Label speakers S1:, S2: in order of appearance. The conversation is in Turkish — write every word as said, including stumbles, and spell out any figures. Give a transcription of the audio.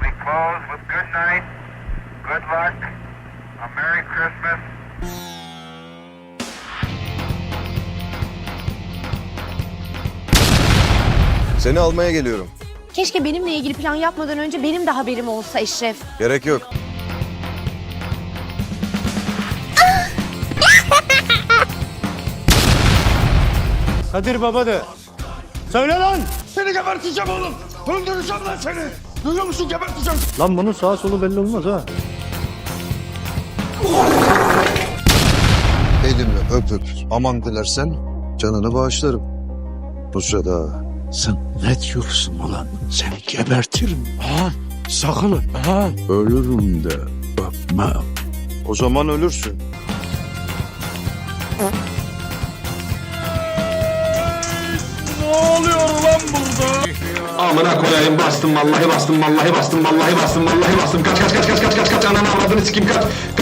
S1: We close with good night, good luck, a Merry Christmas.
S2: Seni almaya geliyorum.
S3: Keşke benimle ilgili plan yapmadan önce benim de haberim olsa Eşref.
S2: Gerek yok.
S4: Kadir baba de. Söyle lan.
S5: Seni geberteceğim oğlum. Öldüreceğim lan seni. Duyuyor musun, geberteceğim.
S4: Lan bunun sağa solu belli olmaz ha.
S6: Elimi öpüp aman dilersen canını bağışlarım. Bu sırada
S5: Sen ne diyorsun ulan? Seni gebertirim ha. Sakın ha. Ölürüm de öpmem.
S6: o zaman ölürsün.
S7: Amına koyayım, bastım vallahi bastım vallahi bastım vallahi bastım vallahi bastım, kaç kaç kaç kaç kaç kaç kaç, ananı avradını sikeyim, kaç